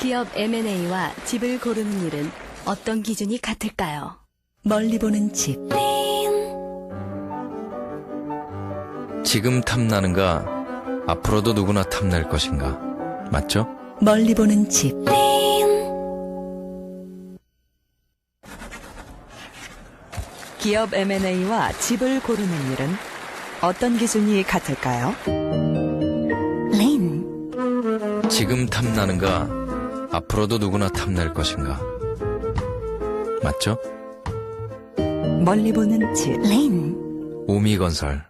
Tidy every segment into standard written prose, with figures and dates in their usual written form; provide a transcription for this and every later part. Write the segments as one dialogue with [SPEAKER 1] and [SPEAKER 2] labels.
[SPEAKER 1] 기업 M&A와 집을 고르는 일은 어떤 기준이 같을까요?
[SPEAKER 2] 멀리 보는 집.
[SPEAKER 3] 지금 탐나는가 앞으로도 누구나 탐낼 것인가 맞죠?
[SPEAKER 2] 멀리 보는 집.
[SPEAKER 4] 기업 M&A와 집을 고르는 일은 어떤 기준이 같을까요?
[SPEAKER 3] 지금 탐나는가 앞으로도 누구나 탐낼 것인가 맞죠?
[SPEAKER 4] 멀리 보는 집.
[SPEAKER 3] 우미건설.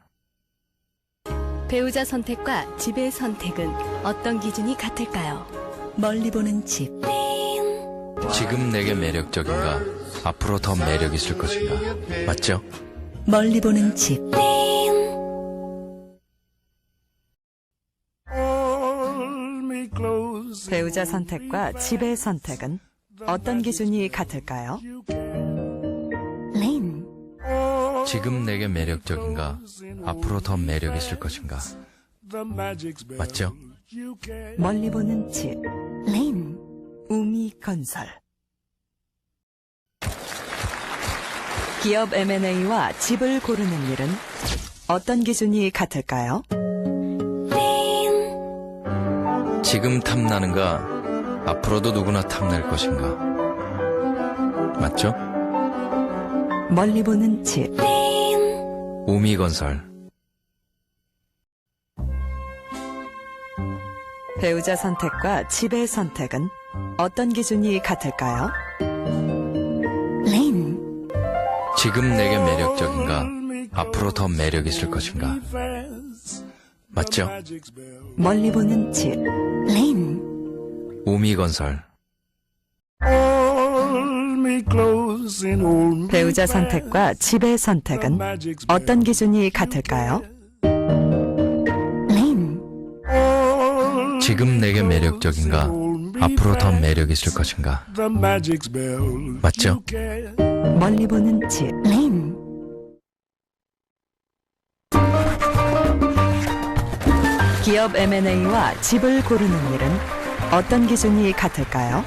[SPEAKER 1] 배우자 선택과 집의 선택은 어떤 기준이 같을까요?
[SPEAKER 2] 멀리 보는 집.
[SPEAKER 3] 지금 내게 매력적인가 앞으로 더 매력 있을 것인가 맞죠?
[SPEAKER 2] 멀리 보는 집.
[SPEAKER 4] 배우자 선택과 집의 선택은 어떤 기준이 같을까요?
[SPEAKER 3] 지금 내게 매력적인가 앞으로 더 매력 있을 것인가 맞죠?
[SPEAKER 4] 멀리 보는 집. 우미건설. 기업 M&A와 집을 고르는 일은 어떤 기준이 같을까요?
[SPEAKER 3] 지금 탐나는가 앞으로도 누구나 탐낼 것인가 맞죠?
[SPEAKER 4] 멀리 보는 집.
[SPEAKER 3] 우미건설.
[SPEAKER 4] 배우자 선택과 집의 선택은 어떤 기준이 같을까요?
[SPEAKER 3] 지금 내게 매력적인가 앞으로 더 매력 있을 것인가 맞죠?
[SPEAKER 4] 멀리 보는 집.
[SPEAKER 3] 우미건설.
[SPEAKER 4] 배우자 선택과 집의 선택은 어떤 기준이 같을까요?
[SPEAKER 3] 지금 내게 매력적인가 앞으로 더 매력 있을 것인가 맞죠?
[SPEAKER 4] 멀리 보는 집. 기업 M&A와 집을 고르는 일은 어떤 기준이 같을까요?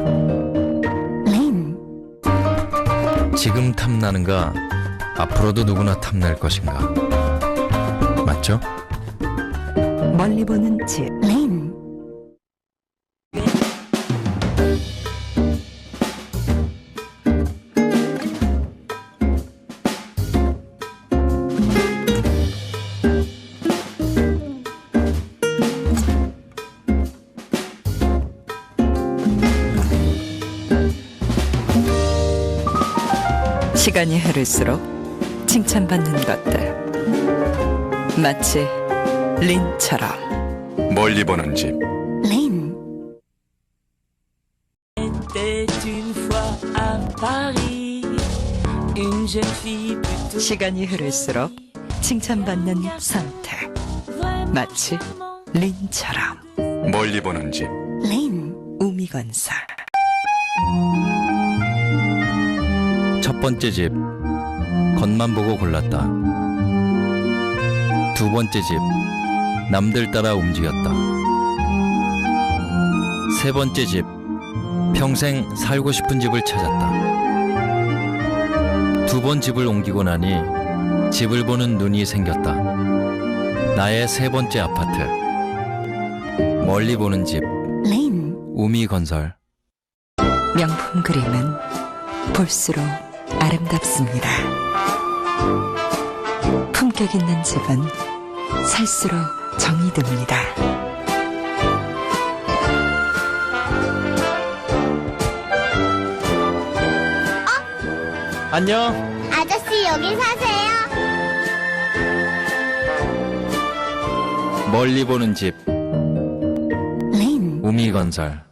[SPEAKER 3] 지금 탐나는가 앞으로도 누구나 탐낼 것인가 맞죠?
[SPEAKER 4] 멀리 보는 집. 시간이 흐를수록 칭찬받는 것들 마치 린처럼.
[SPEAKER 3] 멀리 보는 집.
[SPEAKER 4] 시간이 흐를수록 칭찬받는 선택 마치 린처럼.
[SPEAKER 3] 멀리 보는 집.
[SPEAKER 4] 우미건설.
[SPEAKER 3] 첫 번째 집 겉만 보고 골랐다. 두 번째 집 남들 따라 움직였다. 세 번째 집 평생 살고 싶은 집을 찾았다. 두 번 집을 옮기고 나니 집을 보는 눈이 생겼다. 나의 세 번째 아파트. 멀리 보는 집. 우미건설.
[SPEAKER 4] 명품 그림은 볼수록 아름답습니다. 품격 있는 집은 살수록 정이 듭니다.
[SPEAKER 3] 안녕.
[SPEAKER 5] 아저씨 여기 사세요?
[SPEAKER 3] 멀리 보는 집. 우미건설.